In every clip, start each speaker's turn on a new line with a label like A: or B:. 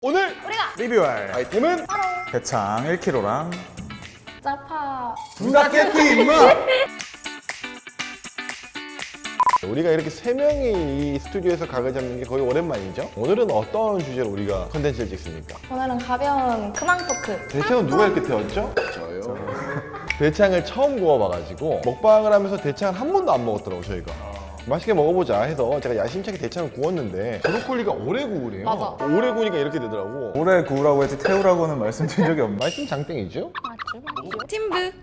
A: 오늘
B: 우리가
A: 리뷰할 아이템은
B: 바로
C: 대창 1kg랑
B: 짜파
C: 불닭게티 임마!
A: 우리가 이렇게 세 명이 이 스튜디오에서 각을 잡는 게 거의 오랜만이죠? 오늘은 어떤 주제로 우리가 컨텐츠를 찍습니까?
B: 오늘은 가벼운 근황 토크.
A: 대창은 누가 이렇게 태웠죠? 저요. 대창을 처음 구워봐가지고 먹방을 하면서 대창을 한 번도 안 먹었더라고 저희가. 맛있게 먹어보자 해서 제가 야심차게 대창을 구웠는데 브로콜리가 오래 구우래요.
B: 맞아.
A: 오래 구우니까 이렇게 되더라고.
C: 오래 구우라고 했지 태우라고는 말씀드린 적이 없네.
A: 말씀 장땡이죠?
B: 맞죠? 팀브.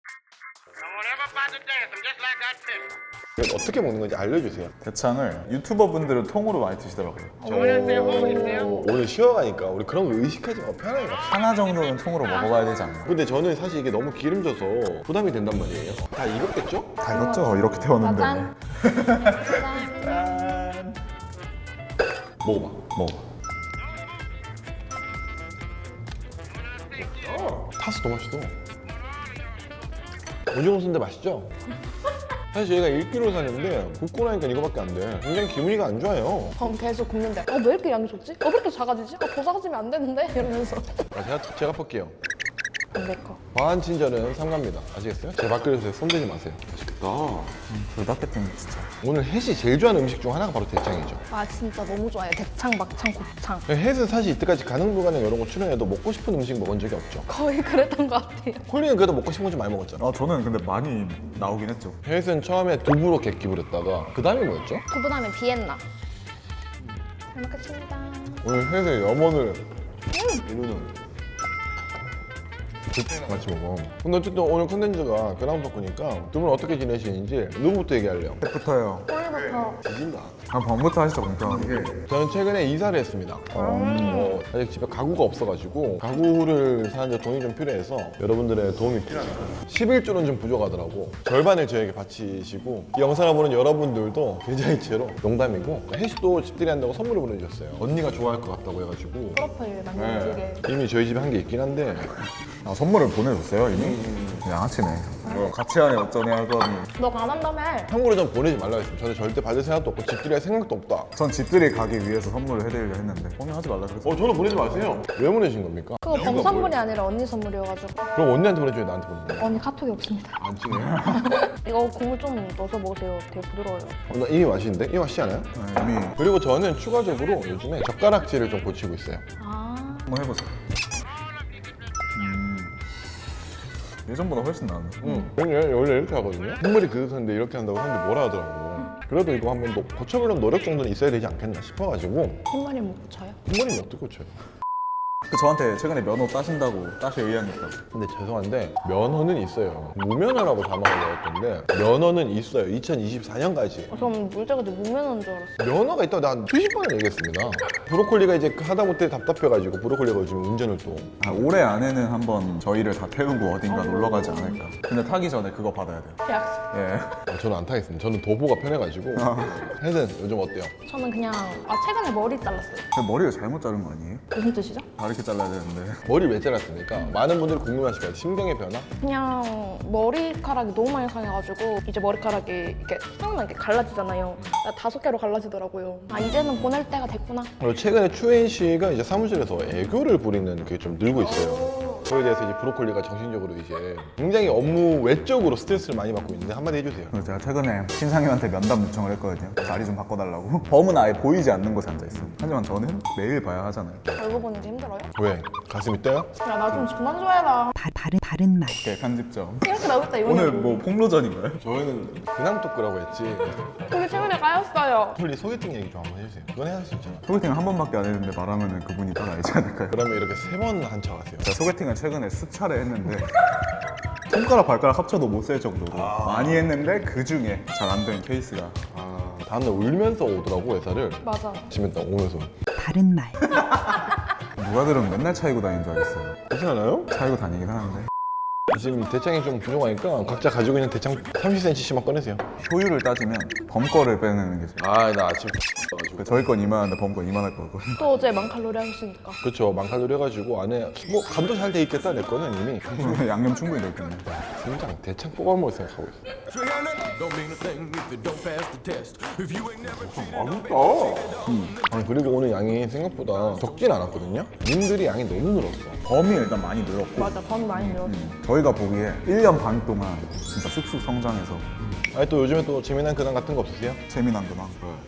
A: 이걸 어떻게 먹는 건지 알려주세요.
C: 대창을 유튜버 분들은 통으로 많이 드시더라고요.
A: 오늘 쉬어가니까 우리 그런 거 의식하지 마. 편하게 갑시다.
C: 하나 정도는 통으로 먹어봐야 되지 않나?
A: 근데 저는 사실 이게 너무 기름져서 부담이 된단 말이에요. 다 익었겠죠?
C: 다 익었죠? 이렇게 태웠는데.
B: 짜잔.
C: 짠.
A: 먹어봐.
C: 먹어.
A: 파스 너무 맛있어. 오징어 순대 맛있죠? 사실 저희가 1kg 샀는데 굽고 나니까 이거밖에 안 돼. 굉장히 기분이가 안 좋아요.
B: 그럼 계속 굽는데 왜 이렇게 양이 적지? 왜 이렇게 작아지지? 더 작아지면 안 되는데? 이러면서
A: 제가 볼게요.
B: 안 될 거.
A: 과한 친절은 삼가입니다. 아시겠어요? 제 밥그릇에 손대지 마세요. 맛있겠다.
C: 불닭게티는 진짜.
A: 오늘 햇이 제일 좋아하는 음식 중 하나가 바로 대창이죠.
B: 아 진짜 너무 좋아요. 대창, 막창, 곱창.
A: 햇은 사실 이때까지 가능 불가능 이런 거 출연해도 먹고 싶은 음식 먹은 적이 없죠.
B: 거의 그랬던 것 같아요.
A: 콜리는 그래도 먹고 싶은 거 좀 많이 먹었잖아.
C: 저는 근데 많이 나오긴 했죠.
A: 햇은 처음에 두부로 객기 부렸다가 그 다음에 뭐였죠?
B: 두부 다음에 비엔나. 잘 먹겠습니다.
A: 오늘 햇의 염원을 이루는 같이 먹어. 근데 어쨌든 오늘 컨텐츠가 근황 토크니까 두 분 어떻게 지내시는지 누구부터 얘기할래요?
C: 부터요.
B: 오늘부터
A: 지진다.
C: 밤부터 하시죠, 공평하게.
A: 저는 최근에 이사를 했습니다. 아직 집에 가구가 없어가지고 가구를 사는데 돈이 좀 필요해서 여러분들의 도움이 필요합니다. 11조는 좀 부족하더라고. 절반을 저에게 바치시고 이 영상을 보는 여러분들도 굉장히 제로 농담이고 혜식도 집들이 한다고 선물을 보내주셨어요. 언니가 좋아할 것 같다고 해가지고
B: 프로필 만들게.
A: 이미 저희 집에 한 게 있긴 한데
C: 선물을 보내줬어요, 이미? 양아치네. 같이 하네, 어쩌네 하더니.
B: 너가 안 한다며.
A: 참고로 좀 보내지 말라고 했어요. 저는 절대 받을 생각도 없고 집들이 할 생각도 없다.
C: 전 집들이 가기 위해서 선물을 해드리려 했는데 공유하지 말라 그랬어요.
A: 저는 보내지 마세요. 왜 보내신 겁니까?
B: 그거 범 선물이 아니라 언니 선물이어가지고
A: 그럼 언니한테 보내줘요, 나한테 보내줘요.
B: 언니 카톡이 없습니다.
A: 안 친해요?
B: 이거 국물 좀 넣어서 먹으세요. 되게 부드러워요.
A: 나 이미 맛있는데? 이미 맛있지 않아요?
C: 네, 이미
A: 그리고 저는 추가적으로 요즘에 젓가락질을 좀 고치고 있어요.
B: 아
C: 한번 해보세요. 예전보다 훨씬 나은데.
A: 원래 이렇게 하거든요. 국물이 그릇인데 이렇게 한다고 사람들이 뭐라 하더라고. 그래도 이거 한번 고쳐보려면 노력 정도는 있어야 되지 않겠나 싶어가지고
B: 흰머리 못 고쳐요?
A: 국물이 어떻게 고쳐요?
C: 저한테 최근에 면허 따신다고 따실 의향이 있다.
A: 근데 죄송한데 면허는 있어요. 무면허라고 자막을 넣었던데 면허는 있어요. 2024년까지.
B: 전 물자가 무면허인 줄 알았어요.
A: 면허가 있다고 난 수십 번을 얘기했습니다. 브로콜리가 이제 하다못해 답답해가지고 브로콜리가 요즘 운전을 또
C: 올해 안에는 한번 저희를 다 태우고 어딘가 놀러 가지 않을까. 근데 타기 전에 그거 받아야 돼요.
B: 약속.
C: 예.
A: 저는 안 타겠습니다. 저는 도보가 편해가지고 혜는 요즘 어때요?
B: 저는 그냥 최근에 머리 잘랐어요.
C: 근데 머리를 잘못 자른 거 아니에요?
B: 무슨 뜻이죠?
C: 다 이렇게 잘라야 되는데.
A: 머리 왜 잘랐습니까? 많은 분들이 궁금하실 거예요. 심경의 변화?
B: 그냥 머리카락이 너무 많이 상해가지고 이제 머리카락이 이렇게 쑥나게 갈라지잖아요. 5개로 갈라지더라고요. 아 이제는 보낼 때가 됐구나.
A: 그리고 최근에 추혜인 씨가 이제 사무실에서 애교를 부리는 게 좀 늘고 있어요. 그거에 대해서 이제 브로콜리가 정신적으로 이제 굉장히 업무 외적으로 스트레스를 많이 받고 있는데 한마디 해주세요.
C: 그래서 제가 최근에 신상님한테 면담 요청을 했거든요. 자리 좀 바꿔달라고. 범은 아예 보이지 않는 곳에 앉아있어요. 하지만 저는 매일 봐야 하잖아요.
B: 얼굴 보는 게 힘들어요?
A: 왜? 가슴이 떠요?
B: 야 나 좀 그만 좋아해라.
D: 다른 말.
C: 오케이, 편집점.
B: 이렇게 나오겠다 이번에.
C: 오늘 뭐 폭로전인가요?
A: 저희는 근황 토크라고 했지.
B: 우리 최근에 까였어요.
A: 폴리 소개팅 얘기 좀 한번 해주세요. 그건 해야 할 수 있잖아.
C: 소개팅 한 번밖에 안 했는데 말하면 그분이 딱 알지 않을까요?
A: 그러면 이렇게 3번 한 척 하세요.
C: 제가 소개팅을 최근에 수차례 했는데 손가락 발가락 합쳐도 못 셀 정도로 많이 했는데 그 중에 잘 안 된 케이스가
A: 다음날 울면서 오더라고 회사를.
B: 맞아.
A: 집에 딱 오면서.
D: 다른 말.
C: 누가 들으면 맨날 차이고 다니는 줄 알겠어요.
A: 그렇지 않아요?
C: 차이고 다니긴 하는데
A: 지금 대창이 좀 부족하니까 각자 가지고 있는 대창 30cm씩만 꺼내세요.
C: 효율을 따지면 범 거를 빼내는 게 제일
A: 나 아침 가지고 해가지고.
C: 저희 건 이만한데 범 건 이만할 거고.
B: 또 어제 만칼로리 하셨으니까.
A: 그렇죠. 만칼로리 해가지고 안에 뭐 간도 잘 돼 있겠다 내 거는 이미.
C: 양념 충분히 넣겠네.
A: 진짜 대창 뽑아먹을 생각하고 있어.
E: Don't mean a thing if you don't pass the test. If you ain't never
A: 맛있다. 아니, 그리고 오늘 양이 생각보다 적진 않았거든요. 님들이 양이 너무 늘었어.
C: 범이 일단 많이 늘었고
B: 맞아, 밥 많이 늘었어.
C: 저희가 보기에 1년 반 동안 진짜 쑥쑥 성장해서
A: 아니 또 요즘에 또 재미난 근황 같은 거 없으세요?
C: 재미난 근황.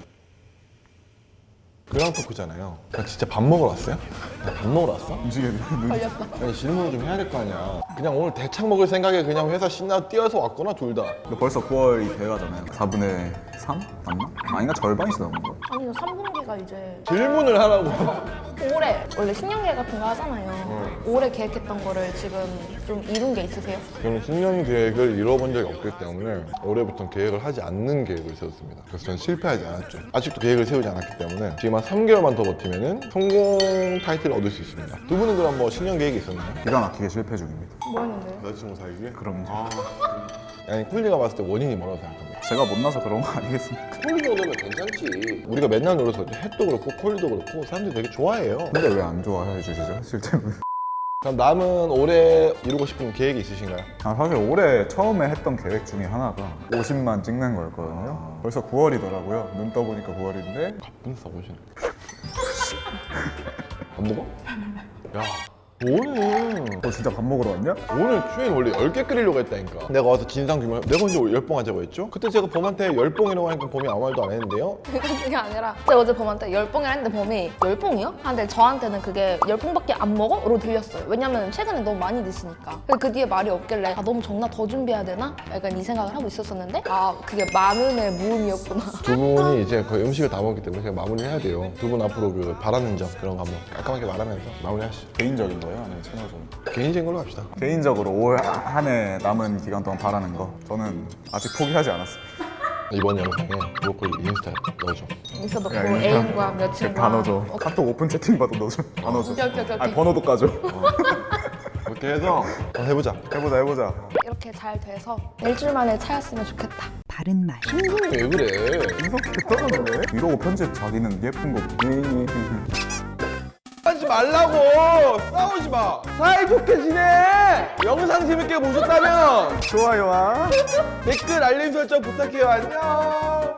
A: 근황 토크잖아요. 나 진짜 밥 먹으러 왔어요? 나 밥 먹으러 왔어?
C: 음식에 눈이
B: 걸렸다.
A: 아니 질문을 좀 해야 될 거 아니야. 그냥 오늘 대창 먹을 생각에 그냥 회사 신나 뛰어서 왔거나 둘 다.
C: 근데 벌써 9월이 돼가잖아요. 4분의 3? 맞나? 아닌가? 절반이 지나온 거.
B: 아니, 3분기가 이제
A: 질문을 하라고.
B: 올해 원래 신년계획 같은 거 하잖아요. 올해 계획했던 거를 지금 좀 이룬 게 있으세요?
A: 저는 신년 계획을 이뤄본 적이 없기 때문에 올해부터는 계획을 하지 않는 계획을 세웠습니다. 그래서 저는 실패하지 않았죠. 아직도 계획을 세우지 않았기 때문에 지금 한 3개월만 더 버티면은 성공 타이틀을 얻을 수 있습니다. 두 분은 그럼 뭐 신년 계획이 있었나요?
C: 기가 막히게 실패 중입니다.
B: 뭐였는데요?
A: 여자친구 사귀기?
C: 그럼요.
A: 아니 콜리가 봤을 때 원인이 뭐라고 생각합니까?
C: 제가 못나서 그런 거 아니겠습니까?
A: 콜리 정도면 괜찮지. 우리가 맨날 놀아서 햇도 그렇고 콜리도 그렇고 사람들이 되게 좋아해요.
C: 근데 왜 안 좋아해 주시죠? 실제로.
A: 그럼 남은 올해 이루고 싶은 계획이 있으신가요?
C: 사실 올해 처음에 했던 계획 중에 하나가 50만 찍는 거였거든요. 벌써 9월이더라고요. 눈 떠보니까 9월인데
A: 가쁜 써보시네. 안 먹어? 야, 오늘
C: 진짜 밥 먹으러 왔냐?
A: 오늘 주인 원래 10개 끓이려고 했다니까. 내가 와서 진상 규명 내가 언제 10봉 하자고 했죠? 그때 제가 범한테 10봉이라고 하니까 범이 아무 말도 안 했는데요.
B: 그게 아니라 제가 어제 범한테 10봉이라 했는데 범이 10봉이요? 근데 저한테는 그게 10봉밖에 안 먹어? 로 들렸어요. 왜냐면 최근에 너무 많이 드시니까. 그 뒤에 말이 없길래 아 너무 적나 더 준비해야 되나? 약간 이 생각을 하고 있었었는데 아 그게 많음의 무음이었구나.
A: 두 분이 이제 거의 음식을 다 먹기 때문에 제가 마무리를 해야 돼요. 두 분 앞으로 그 바라는 점 그런 거 한번 깔끔하게 말하면서 마무리하시죠.
C: 개인적인 거예요? 아니면 채널적인 거?
A: 개인적인 걸로 합시다.
C: 개인적으로 올 한 해 남은 기간 동안 바라는 거 저는 아직 포기하지 않았습니다.
A: 이번 영상에 브로콜리 인스타 넣어줘.
B: 인스타 넣고
C: 야, 인스타.
B: 애인과 며칠과
C: 다 넣어줘. 카톡 오픈 채팅 봐도 넣어줘. 다 넣어줘.
B: 오케이.
C: 아니 번호도 까줘.
A: 그렇게 해서 한번 해보자.
C: 해보자.
B: 이렇게 잘 돼서 일주일 만에 차였으면 좋겠다.
D: 바른 말.
A: 신분이 왜 그래?
C: 인성 됐다던데? 이러고 편집 자기는 예쁜 거.
A: 하지 말라고! 싸우지 마! 사이좋게 지내! 영상 재밌게 보셨다면
C: 좋아요와
A: 댓글 알림 설정 부탁해요. 안녕!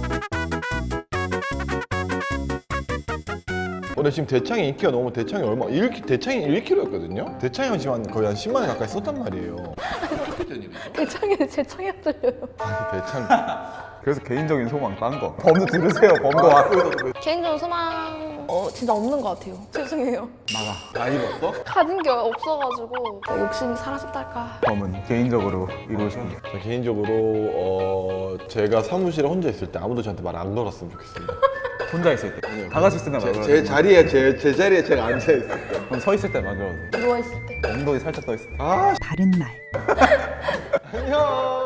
A: 원래 지금 대창이 인기가 너무 대창이 얼마? 대창이 1kg였거든요? 대창이 지금 거의 한 10만 원 가까이 썼단 말이에요.
B: 대창에는 제 창이 안 들려요.
A: 대창.
C: 그래서 개인적인 소망 딴 거. 범도 들으세요. 범도 왔어요.
B: 개인적인 소망 진짜 없는 것 같아요. 죄송해요.
A: 다 입었어?
B: 가진 게 없어가지고 욕심이 사라졌달까.
C: 범은 개인적으로 이루고 싶은 게.
A: 저 개인적으로 제가 사무실에 혼자 있을 때 아무도 저한테 말 안 걸었으면 좋겠습니다.
C: 혼자 있을 때. 다 같이 있을 때만 그러지.
A: 제 자리에 제 자리에 제가 앉아 있을 때.
C: 그럼 서 있을 때만 그러지.
B: 누워있을 때.
C: 엉덩이 살짝 떠 있을 때.
A: 아,
D: 바른 말.
A: 안녕.